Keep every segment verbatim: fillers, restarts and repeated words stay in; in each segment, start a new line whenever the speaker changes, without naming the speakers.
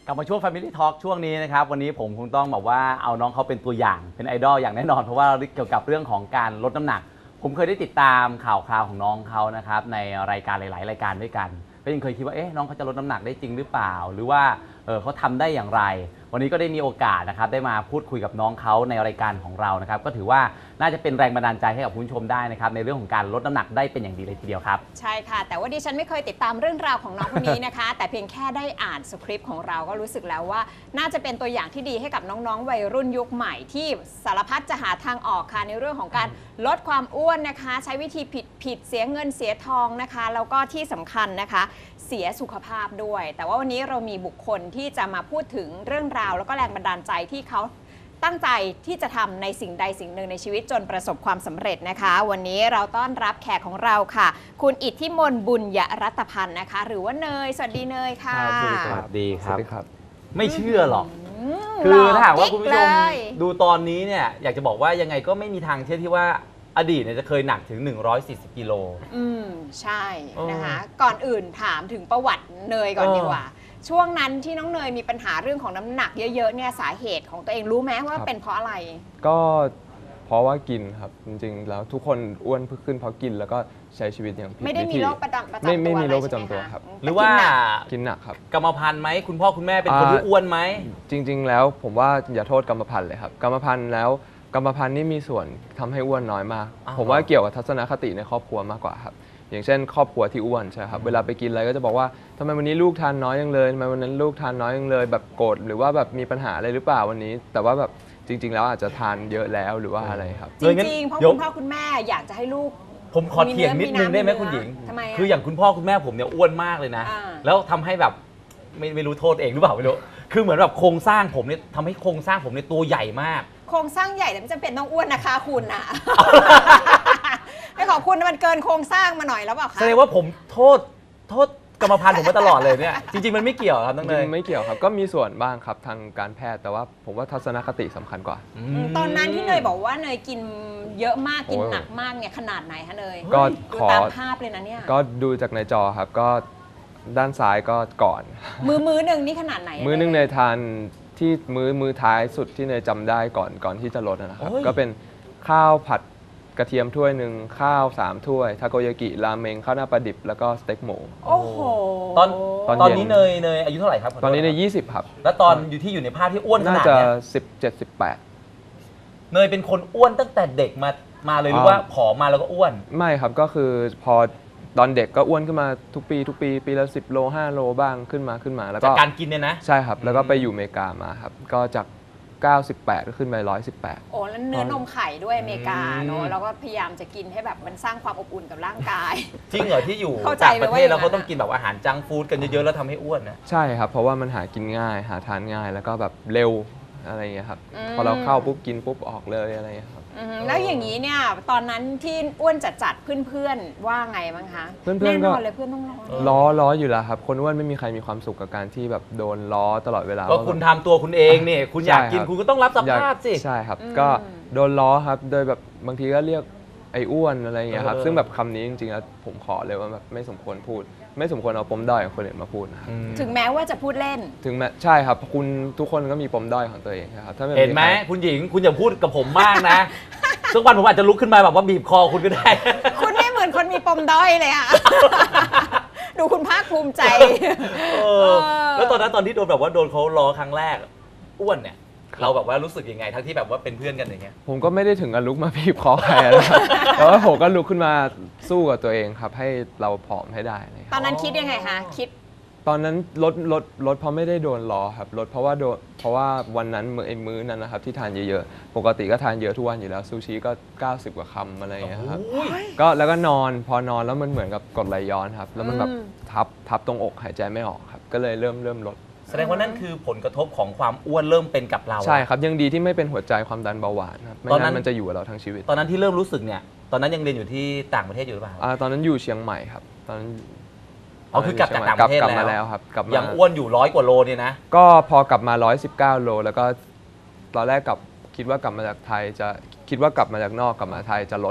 กลับมาช่วง Family Talk ช่วงนี้นะครับวันนี้ผมคงต้องบอกว่าเอาน้องเขาเป็นตัวอย่างเป็นไอดอลอย่างแน่นอนเพราะว่าเกี่ยวกับเรื่องของการลดน้ำหนักผมเคยได้ติดตามข่าวคราวของน้องเขานะครับในรายการหลายๆรายการด้วยกันก็ยังเคยคิดว่าเอ๊ะน้องเขาจะลดน้ำหนักได้จริงหรือเปล่าหรือว่าเออเขาทำได้อย่างไรวันนี้ก็ได้มีโอกาสนะครับได้มาพูดคุยกับน้องเขาในรายการของเรานะครับก็ถือว่าน่าจะเป็นแรงบันดาลใจให้กับคุณผู้ชมได้นะครับในเรื่องของการลดน้ำหนักได้เป็นอย่างดีเลยทีเดียวครับ
ใช่ค่ะแต่ว่าดิฉันไม่เคยติดตามเรื่องราวของน้องคนนี้นะคะ แต่เพียงแค่ได้อ่านสคริปต์ของเราก็รู้สึกแล้วว่าน่าจะเป็นตัวอย่างที่ดีให้กับน้องๆวัยรุ่นยุคใหม่ที่สารพัดจะหาทางออกค่ะในเรื่องของการลดความอ้วนนะคะใช้วิธีผิดผิดเสียเงินเสียทองนะคะแล้วก็ที่สำคัญนะคะเสียสุขภาพด้วยแต่ว่าวันนี้เรามีบุคคลที่จะมาพูดถึงเรื่องราวแล้วก็แรงบันดาลใจที่เขาตั้งใจที่จะทำในสิ่งใดสิ่งหนึ่งในชีวิตจนประสบความสำเร็จนะคะวันนี้เราต้อนรับแขกของเราค่ะคุณอิทธิมนต์บุญยรัตพันธ์นะคะหรือว่าเนยสวัสดีเนยค่ะ
สวัสดีครับ
สวัสดีครับ
ไม่เชื่อหรอกคือถ้าหากว่าคุณผู้ชมดูตอนนี้เนี่ยอยากจะบอกว่ายังไงก็ไม่มีทางเชื่อที่ว่าอดีตเนี่ยจะเคยหนักถึงหนึ่งร้อยสี่สิบกิโล
อืมใช่นะคะก่อนอื่นถามถึงประวัติเนยก่อนดีกว่าช่วงนั้นที่น้องเนยมีปัญหาเรื่องของน้ำหนักเยอะๆเนี่ยสาเหตุของตัวเองรู้ไหมว่าเป็นเพราะอะไร
ก็เพราะว่ากินครับจริงๆแล้วทุกคนอ้วนขึ้นเพราะกินแล้วก็ใช้ชีวิตอย่างผิดวิธี
ไม่ได้มีโรคประจำตัว
ไม่ไม่มีโรคประจำตัวครับ
หรือว่า
กินหนักครับ
กรรมพันธุ์ไหมคุณพ่อคุณแม่เป็นคนที่อ้วนไหม
จริงๆแล้วผมว่าอย่าโทษกรรมพันธุ์เลยครับกรรมพันธุ์แล้วกรรมพันธุ์นี่มีส่วนทำให้อ้วนน้อยมากผมว่าเกี่ยวกับทัศนคติในครอบครัวมากกว่าครับอย่างเช่นครอบครัวที่อ้วนใช่ครับเวลาไปกินอะไรก็จะบอกว่าทำไมวันนี้ลูกทานน้อยยังเลยทำไมวันนั้นลูกทานน้อยยังเลยแบบโกรธหรือว่าแบบมีปัญหาอะไรหรือเปล่าวันนี้แต่ว่าแบบจริงๆแล้วอาจจะทานเยอะแล้วหรือว่าอะไรครับ
จริงๆเพราะคุณพ่อคุณแม่อยากจะให้ลูก
ผมขอเถียงนิดนึงได้ไหมคุณหญิงคืออย่างคุณพ่อคุณแม่ผมเนี่ยอ้วนมากเลยนะแล้วทำให้แบบไม่ไม่รู้โทษเองหรือเปล่าไม่รู้คือเหมือนแบบโครงสร้างผมเนี่ยทำให้โครงสร้างผมเนี่ยตัวใหญ่มาก
โครงสร้างใหญ่แต่ไม่จำเป็นต้องอ้วนนะคะคุณนะไอ้ของคุณมันเกินโครงสร้างมาหน่อยแล้วเปล่าคะ
แสดงว่าผมโทษโทษกรรมพันธุ์ผมมาตลอดเลยเนี่ยจริงๆมันไม่เกี่ยวครับน้องเนย
ไม่เกี่ยวครับก็มีส่วนบ้างครับทางการแพทย์แต่ว่าผมว่าทัศนคติสำคัญกว่า
ตอนนั้นที่เนยบอกว่าเนยกินเยอะมากกินหนักมากเนี่ยขนาดไหนคะเนย
ก็
ขอตามภาพเลยนะเนี่ย
ก็ดูจากในจอครับก็ด้านซ้ายก็ก่อน
มือมือหนึ่งนี่ขนาดไหน
มือหนึ่งเนยทานที่มือมือท้ายสุดที่เนยจำได้ก่อนก่อนที่จะลดนะครับก็เป็นข้าวผัดกระเทียมถ้วยหนึ่งข้าวสามถ้วยทาโกยากิราเมงข้าวหน้าปลาดิบแล้วก็สเต็กหมู
โอ้โห
ตอนตอนนี้เนยเนยอายุเท่าไหร่ครับ
ตอนนี้เนยยี่สิบครับ
แล้วตอนอยู่ที่อยู่ในภาพที่อ้วนขนาดนี้
น่าจะสิบเจ็ดสิบแปด
เนยเป็นคนอ้วนตั้งแต่เด็กมามาเลยหรือว่าผอมมาแล้วก็อ้วน
ไม่ครับก็คือพอตอนเด็กก็อ้วนขึ้นมาทุกปีทุกปีปีละสิบโลห้าโลบ้างขึ้นมาขึ้นมาแล้วก็
จากการกินเนี่ยนะ
ใช่ครับแล้วก็ไปอยู่อเมริกามาครับก็จากเก้าสิบแปดก็ขึ้นไปหนึ่งร้อยสิบแปด
โอ้แล้วเนื้อนมไข่ด้วยอเมริกาเนาะแล้วก็พยายามจะกินให้แบบมันสร้างความอบอุ่นกับร่างกาย
จริงเหรอที่อยู่ต่างประเทศแล้วเขาต้องกินแบบอาหารจังฟู้ดกันเยอะๆแล้วทำให้อ้วนนะ
ใช่ครับเพราะว่ามันหากินง่ายหาทานง่ายแล้วก็แบบเร็วอะไรอย่างเงี้ยครับพอเราเข้าปุ๊บกินปุ๊บออกเลยอะไรอย่างเงี้ยครับ
แล้วอย่างนี้เนี่ยตอนนั้นที่อ้วนจัดๆเพื่อนๆว่าไงบ้างคะ
เพื่อนๆก็
เลยเพื่อนต้องล้อ
ล้อล้ออยู่แล้วครับคนอ้วนไม่มีใครมีความสุขกับการที่แบบโดนล้อตลอดเวลา
ก็คุณทำตัวคุณเองเนี่ยคุณอยากกินคุณก็ต้องรับสภาพสิ
ใช่ครับก็โดนล้อครับโดยแบบบางทีก็เรียกไอ้อ้วนอะไรอย่างเงี้ยครับซึ่งแบบคำนี้จริงๆแล้วผมขอเลยว่าแบบไม่สมควรพูดไม่สมควรเอาปมด้อยของคนอื่นมาพูดนะครับ
ถึงแม้ว่าจะพูดเล่น
ถึงแม้ใช่ครับคุณทุกคนก็มีปมด้อยของตัวเองครับถ้า
เห็นไหมคุณหญิงคุณอย่าพูดกับผมมากนะสักวันผมอาจจะลุกขึ้นมาแบบว่าบีบคอคุณก็ได้
คุณไม่เหมือนคนมีปมด้อยเลยอะดูคุณภาคภูมิใจ
แล้วตอนนั้นตอนที่โดนแบบว่าโดนเขาล้อครั้งแรกอ้วนเนี่ยเราแบบว่ารู้สึกยังไงทั้งที่แบบว่าเป็นเพื่อนกันอย่างเงี้ย
ผมก็ไม่ได้ถึงกับลุกมาบีบคอใครนะครับแต่ว่าผมก็ลุกขึ้นมาสู้กับตัวเองครับให้เราผอมให้ได้
ตอนนั้นคิดยังไงคะคิด
ตอนนั้นลดลดลดเพราะไม่ได้โดนล้อครับลดเพราะว่าโดนเพราะว่าวันนั้นมื้อไอ้มื้อนั้นนะครับที่ทานเยอะๆปกติก็ทานเยอะทุกวันอยู่แล้วซูชิก็เก้าสิบกว่าคำอะไรอย่างเงี้ยครับก็แล้วก็นอนพอนอนแล้วมันเหมือนกับกรดไหลย้อนครับแล้วมันแบบทับทับตรงอกหายใจไม่ออกครับก็เลยเริ่มเริ่มลด
แสดงว่านั่นคือผลกระทบของความอ้วนเริ่มเป็นกับเรา
ใช่ครับยังดีที่ไม่เป็นหัวใจความดันเบาหวานครับไม่งั้นมันจะอยู่กับเราทั้งชีวิต
ตอนนั้นที่เริ่มรู้สึกเนี่ยตอนนั้นยังเรียนอยู่ที่ต่างประเทศอยู่หรือเปล่า
อ่าตอนนั้นอยู่เชียงใหม่ครับตอนนั้น
อ๋อคือกลับจากต่างประเทศ
กลับมาแล้วครับกลับมา
ยังอ้วนอยู่ร้อยกว่าโลเนี่ยนะ
ก็พอกลับมาร้อยสิบเก้าโลแล้วก็ตอนแรกกลับคิดว่ากลับมาจากไทยจะคิดว่ากลับมาจากนอกกลับมาไทยจะลด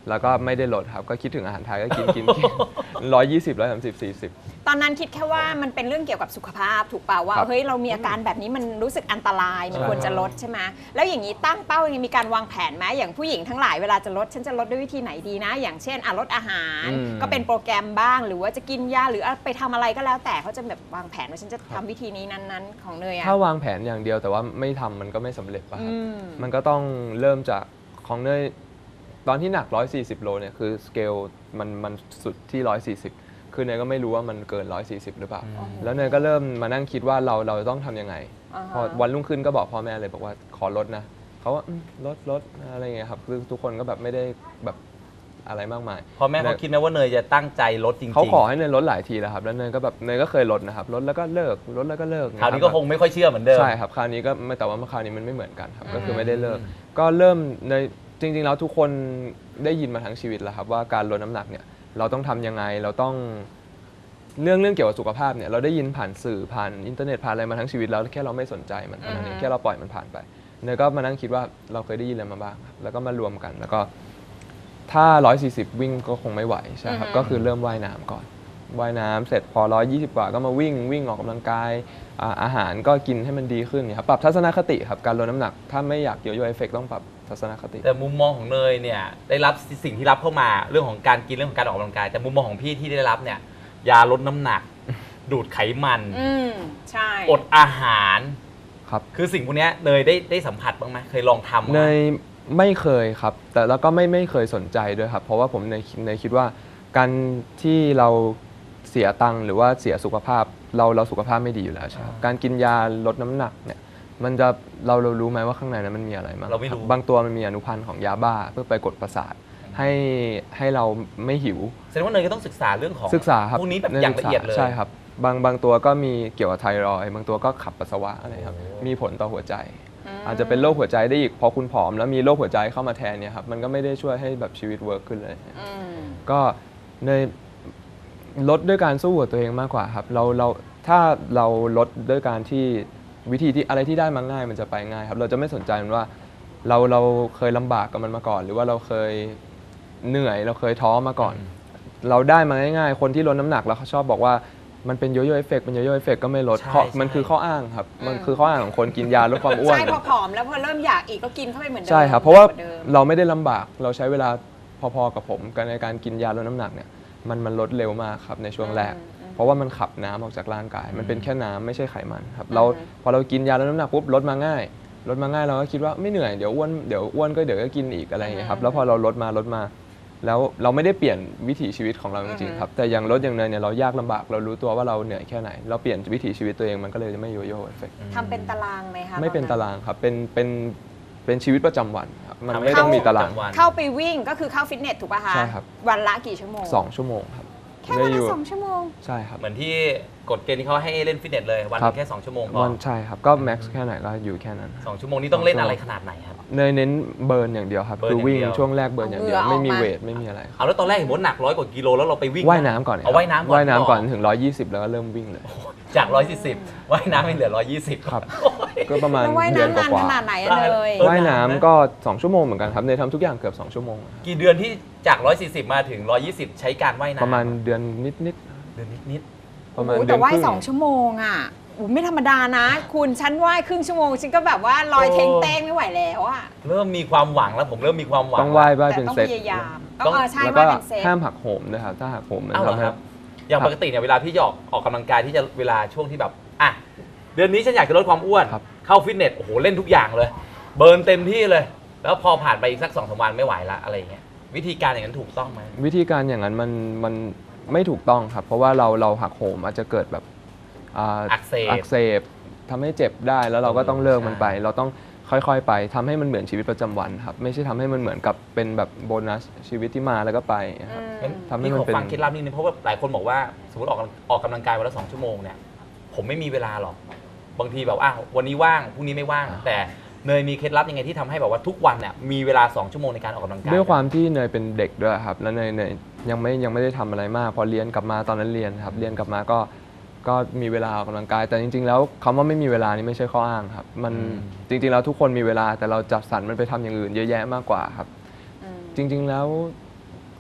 แล้วก็ไม่ได้ลดครับก็คิดถึงอาหารไทยก็กินกินกินร้อยยี่สิบร้อยสามสิบสี่สิบ
ตอนนั้นคิดแค่ว่ามันเป็นเรื่องเกี่ยวกับสุขภาพถูกเปล่าว่า
ครับ
เฮ้ยเรามีอาการแบบนี้มันรู้สึกอันตรายมัน
ใช่
ควรจะลดใช่ไหมแล้วอย่างนี้ตั้งเป้ายังมีการวางแผนไหมอย่างผู้หญิงทั้งหลายเวลาจะลดฉันจะลดด้วยวิธีไหนดีนะ อย่างเช่นอ่ะลดอาหาร
อืม
ก็เป็นโปรแกรมบ้าง หรือว่าจะกินยาหรือไปทำอะไรก็แล้วแต่เขาจะแบบวางแผนว่าฉันจะทำวิธีนี้นั้นๆ ของเนยอะ
ถ้าวางแผนอย่างเดียวแต่ว่าไม่ทำมันก็ไม่สำเร็จป่ะครับ
อืม
มันก็ต้องเริ่มจากของเนยตอนที่หนักหนึ่งร้อยสี่สิบโลเนี่ยคือสเกลมันมันสุดที่หนึ่งร้อยสี่สิบคือเนยก็ไม่รู้ว่ามันเกินหนึ่งร้อยสี่สิบหรือเปล่า
อืม
แล้วเนยก็เริ่มมานั่งคิดว่าเราเราต้องทำยังไง
อ่าฮะ
พอวันรุ่งขึ้นก็บอกพ่อแม่เลยบอกว่าขอลดนะเขาว่าอืมลดลดอะไรเงี้ยครับคือทุกคนก็แบบไม่ได้แบบอะไรมากมาย
พอแม่เขาคิดไหมว่าเนยจะตั้งใจลดจริงๆ
เขาขอให้เนยลดหลายทีแล้วครับแล้วเนยก็แบบเนยก็เคยลดนะครับลดแล้วก็เลิกลดแล้วก็เลิก
คราวนี้ก็คงไม่ค่อยเชื่อเหมือนเดิม
ใช่ครับคราวนี้ก็ไม่แต่ว่าคราวนี้มันไม่เหมือนกันครับก็คือ
อืม
ไม่ได้เลิกก็เริ่มในจริงๆแล้วทุกคนได้ยินมาทั้งชีวิตแล้วครับว่าการลดน้ำหนักเนี่ยเราต้องทำยังไงเราต้องเรื่องเรื่องเกี่ยวกับสุขภาพเนี่ยเราได้ยินผ่านสื่อผ่านอินเทอร์เน็ตผ่านอะไรมาทั้งชีวิตแล้วแค่เราไม่สนใจมันเท่านั้นเองแค่เราปล่อยมันผ่านไปเนยก็มานั่งคิดว่าเราเคยได้ยินอะไรมาบ้างครับแล้วก็มารวมกันแล้วก็ถ้าหนึ่งร้อยสี่สิบวิ่งก็คงไม่ไหวใช่ครับก็คือเริ่มว่ายน้ำก่อนว่ายน้ำเสร็จพอหนึ่งร้อยยี่สิบกว่าก็มาวิ่งวิ่งออกกำลังกายอ่าอาหารก็กินให้มันดีขึ้นเนี่ยครับปรับทัศนคติครับการลดน้ำหนักถ้าไม่อยากโยโย่เอฟเฟกต์ต้องปรับทัศนคติ
แต่มุมมองของเนยเนี่ยได้รับสิ่งที่รับเข้ามาเรื่องของการกินเรื่องของการออกกำลังกายแต่มุมมองของพี่ที่ได้รับเนี่ยยาลดน้ำหนัก ดูดไขมัน
อืมใช่
อดอาหาร
ครับ
คือสิ่งพวกเนี้ยเนยได้ได้สัมผัสบ้างไหมเคยลองทำไหม
เนยไม่เคยครับแต่แล้วก็ไม่ไม่เคยสนใจด้วยครับเพราะว่าผมเนยเนยคิดว่าการที่เราเสียตังค์หรือว่าเสียสุขภาพเราเราสุขภาพไม่ดีอยู่แล้วใช่ครับการกินยาลดน้ำหนักเนี่ยมันจะเราเรารู้ไหมว่าข้างในนั้นมันมีอะไรบ้าง
เราไม่รู้
บางตัวมันมีอนุพันธ์ของยาบ้าเพื่อไปกดประสาทให้ให้เราไม่หิว
แสดงว่าเนยก็ต้องศึกษาเรื่องของ
ศึกษาครับ
พวกนี้แบบอย่างละเอียดเลย
ใช่ครับบางบางตัวก็มีเกี่ยวกับไทรอยด์บางตัวก็ขับปัสสาวะอะไรครับ
โอ้
มีผลต่อหัวใจ
ม
อาจจะเป็นโรคหัวใจได้อีกพอคุณผอมแล้วมีโรคหัวใจเข้ามาแทนเนี่ยครับมันก็ไม่ได้ช่วยให้แบบชีวิตเวิร์กขึ้นเลย
อืม
ก็เนยลดด้วยการสู้กับตัวเองมากกว่าครับเราเราถ้าเราลดด้วยการที่วิธีที่อะไรที่ได้มาง่ายมันจะไปง่ายครับเราจะไม่สนใจมันว่าเราเราเคยลำบากกับมันมาก่อน หรือว่าเราเคยเหนื่อยเราเคยท้อมาก่อน เราได้มาง่ายๆคนที่ลดน้ำหนักแล้วเขาชอบบอกว่ามันเป็นโยโย่เอฟเฟกต์เป็นโยโย่เอฟเฟกต์ก็ไม่ลด
ใช่
เพราะ
ใช่
มันคือข้ออ้างครับมันคือข้ออ้างของคนกินยาลดความอ้วน
ใช่พอผอมแล้วพอเริ่มอยากอีกก็กินเข้าไปเหมือนเดิม
ใช่ครับเพราะว่า
หนักกดิม
เราไม่ได้ลำบากเราใช้เวลาพอๆกับผมกันในการกินยาลดน้ำหนักเนี่ยมันมันลดเร็วมากครับในช่วงแรก เพราะว่ามันขับน้ำออกจากร่างกาย มันเป็นแค่น้ำไม่ใช่ไขมันครับเราพอเรากินยาลดน้ำหนักปุ๊บลดมาง่ายลดมาง่ายเราก็คิดว่าไม่เหนื่อยเดี๋ยวอ้วนเดี๋ยวอ้วนก็เดี๋ยวก็กินอีกอะไรอย่างเงี้ยครับแล้วพอเราลดมาลดมาแล้วเราไม่ได้เปลี่ยนวิถีชีวิตของเราจริงๆครับแต่อย่างลดอย่างเนยเนี่ยเรายากลำบากเรารู้ตัวว่าเราเหนื่อยแค่ไหนเราเปลี่ยนวิถีชีวิตตัวเองมันก็เลยไม่โยโย่เอฟเฟกต์
ทำเป็นตารางไหมคะ
ไม่เป็น
ตอ
ตารางครับเป็นเป็นเป็นชีวิตประจำวันครับมัน
ทำให้
ไม่ต้องมีตาราง
ประจำวัน
เข้าไปวิ่งก็คือเข้าฟิตเนสถูกป่ะคะ
ใช่ครับ
วันละกี่ชั่วโมง
สองชั่วโมงครับ
แค่วัน
ได้
ละ
ยู่
สองชั่วโมง
ใช่ครับ
เหมือนที่กฎเกณฑ์ที่เขาให้เล่นฟิตเนสเลยวันห
ครั
นึ
บ
งแค่สองชั่วโมงพอ
วันใช่ครับก็แม็กซ์แค่ไหนก็อยู่แค่นั้น
สองชั่วโมงนี้ต้องเล่นอะไรขนาดไหนครับ
เนยเน้นเบิร์นอย่างเดียวครับ
เบิร์น
คือวิ่ง
อย่างเดียว
ช่วงแรกเบิร์นอย่างเดียว
เอาเหงื่อ
ไม่มี
ออกมา
เวทไม่มีอะไรครับ
เอาแล้วตอนแรกเห็นว่าหนักร้อยกว่ากิโลแล้วเราไปวิ่ง
ว่ายน้ำก่อน
เอาว่ายน้ำก่อน
ว่ายน้ำก่อน
ก่อน
ถึงหนึ่งร้อยยี่สิบแล้วก็เริ่มวิ่งเลย
จากร้อยสี่สิบว่ายน้ำให้เหลือร้อยยี่สิบ
ครับ
โอ้ย
ก็ประมาณ
แล้วว่าย
เดือน
น้ำ
ก
นาน
ว่า
ขนาดไหนอะ
ได้
เลย
เออ
ๆว่ายน้ำก็สองชั่วโมงเหมือนกันครับเนยทำทุกอย่างเกือบสองชั่วโมงครับ
กี่เดือนที่จากร้อยสี่สิบมาถึงร้อยยี่สิบใช้การว่ายน้ำ
ประมาณเดือนนิด
เดือนนิด
ๆประมาณ
โอ้โห
เดื
แต่
อน
ว่าย
ครึ่ง
สองชั่วโมงอ่ะโอ้โหไม่ธรรมดานะ คุณฉันว่ายครึ่งชั่วโมงฉันก็แบบว่าลอยเทงเต้งไม่ไหวแล้วอ่ะ
ๆเริ่มมีความหวังแล้วผมเริ่มมีความหวัง
ต้องว่ายว่าย
แต่
เป็น
ต้อง
เซต
พยายามต้
ต้
อ
อง ง
เออใช่
แล้ว
ว่า
ก็
เป็นเซต
ห้ามหักโหมด้วยครับถ้าหักโหมมัน
อ้าวเหรอ
ทำให้
ครับ อย่าง
ครับ
ปกติเนี่ยเวลาพี่ออกออกกำลังกายที่จะเวลาช่วงที่แบบอ่ะเดือนนี้ฉันอยากจะลดความอ้วน
ครับ
เข้าฟิตเนสโอ้โหเล่นทุกอย่างเลย เบิร์นเต็มที่เลย แล้วพอผ่านไปอีกสักสองสามวันไม่ไหวละอะไรอย่างเงี้ยวิธีการอย่างนั้นถูกต้องไหม
วิธีการอย่างนั้นมันมันไม่ถูกต้องครับ เพราะว่าเราเราหักโหมอาจจะเกิดแบบอ่า
อักเสบ
อักเสบทำให้เจ็บได้แล้วเราก็ต้องเลิกมันไป
ใช่
เราต้องค่อยๆไปทำให้มันเหมือนชีวิตประจำวันครับไม่ใช่ทำให้มันเหมือนกับเป็นแบบโบนัสชีวิตที่มาแล้วก็ไปครับ
อืม
งั้น
ทำให้
พี่
มัน
ขอ
เป็น
ฟังเคล็ดลับนิดนึงเพราะว่าหลายคนบอกว่าสมมติออกกำลังออกกำลังกายวันละสองชั่วโมงเนี่ยผมไม่มีเวลาหรอกบางทีแบบอ้าววันนี้ว่างพรุ่งนี้ไม่ว่าง แต่เนยมีเคล็ดลับยังไงที่ทำให้แบบว่าทุกวันเนี่ยมีเวลาสองชั่วโมงในการออกกำลังกาย
ด้วยความที่เนยเป็นเด็กด้วยครับแล้วเนยเนยยังไม่ยังไม่ได้ทำอะไรมาก พอเรียนกลับมาตอนนั้นเรียนครับเรียนกลับมาก็ก็มีเวลาออกกำลังกาย แต่จริง ๆ แล้วคำว่าไม่มีเวลานี่ไม่ใช่ข้ออ้างครับมันจริง ๆ แล้วทุกคนมีเวลาแต่เราจัดสรรมันไปทำอย่างอื่นเยอะแยะมากกว่าครับ
อืม
จริง ๆ แล้ว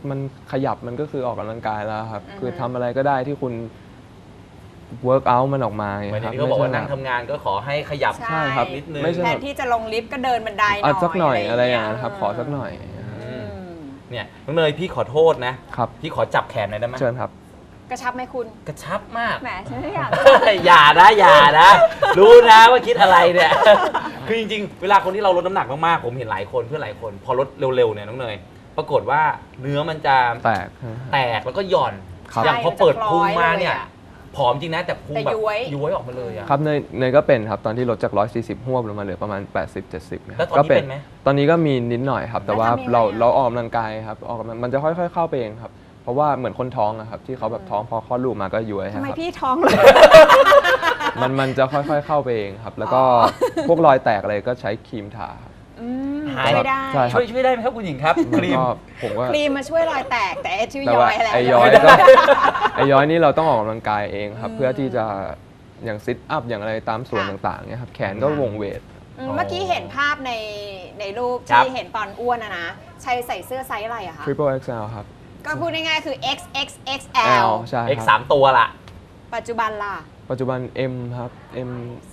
มันขยับมันก็คือออกกำลังกายแล้วครับ
อือฮึ
คือทำอะไรก็ได้ที่คุณ work out มันออกมาไง
เหมือน
ค
ที่
รับ
เขาบอกว่า
ไม่
นั่ง
ใช่
ทำงานก็ขอให้ขยับ
ใช่
ครับ
นิดนึง
ไม่ใช่
แทนที่จะลงลิฟต์ก็เดินบันไดหน่
อ่ะ
อย
สักหน่อยอะไรอย่าง
เงี้
เงี้ยครับขอสักหน่อย
อืม
อืม
เนี่ยน้องเนยพี่ขอโทษนะ
ครับ
พี่ขอจับแขนหน่อยได้ไหม
เชิญครับ
กระชับไหมคุณ
กระชับมาก
แหมฉันไม่อยาก
อย่านะอย่านะ รู้นะว่าคิดอะไรเนี่ย คือจริงๆ เวลาคนที่เราลดน้ำหนักมากๆ ผมเห็นหลายคนเพื่อนหลายคน พอลดเร็วๆเนี่ยน้องเนยปรากฏว่าเนื้อมันจะ
แตก
แตกแล้วก็หย่อน
ครับ
อย่างพอเปิดพุงมาเนี่ย
ใช่
ผอมจริงนะแต่พุง
แต่
แบบ
ย้วย
ย้วยออกมาเลยอะ
ครับเนยเนยก็เป็นครับตอนที่ลดจากหนึ่งร้อยสี่สิบหวบลงมาเหลือประมาณแปดสิบ เจ็ดสิบนะค
แล้
รั
ว
บ
ตอนนี้เป็นไหม
ตอนนี้ก็มีนิดหน่อยครับ แต่ว่า
แล้วทำยังไง
เรา
อะ
เราออกกำลังกายครับออกกำลังมันจะค่อยๆเข้าไปเองครับเพราะว่าเหมือนคนท้องอะครับที่เขาแบบท้องพอคลอดลูกมาก็ย้วยค
ทำ
รับ
ไมพี่ท้องเลย
มันมันจะค่อยๆเข้าไปเองครับ แล้วก็พวกรอยแตกอะไรก็ใช้ครีมทาครับ
อืม
หาย
ช่วยได้
ใช่
ช่วยช่วยได้ไหมครับคุณหญิงครับ
มัน
ครีม
ก็ผมว่า
ครีมมาช่วยรอยแตกแต่ไอ้ชื่อ
แต่
ย้อ
ว่าย
แหละ
ไอย้อย
ไม่
ก็
ได้
ไอย้อยนี่เราต้องออกกำลังกายเองครับ
อืม
เพื่อที่จะอย่างซิทอัพอย่างอะไรตามส่วน
ค่ะ
ต่างๆเนี่ยครับแขนก็วงเวท
อืมเมื่อกี้เห็นภาพในในรูป
ครับ
ที่เห็นตอนอ้วนนะนะชัยใส่เสื้อไซส์อะไรอะคะ
Triple เอ็กซ์ แอล ครับ
ก็พูดง่ายๆคือ เอ็กซ์ เอ็กซ์ เอ็กซ์ แอล
L ใช่
X
ค
สา
รับ
มตัวละ
ปัจจุบันล่ะ
ปัจจุบัน M ครับ M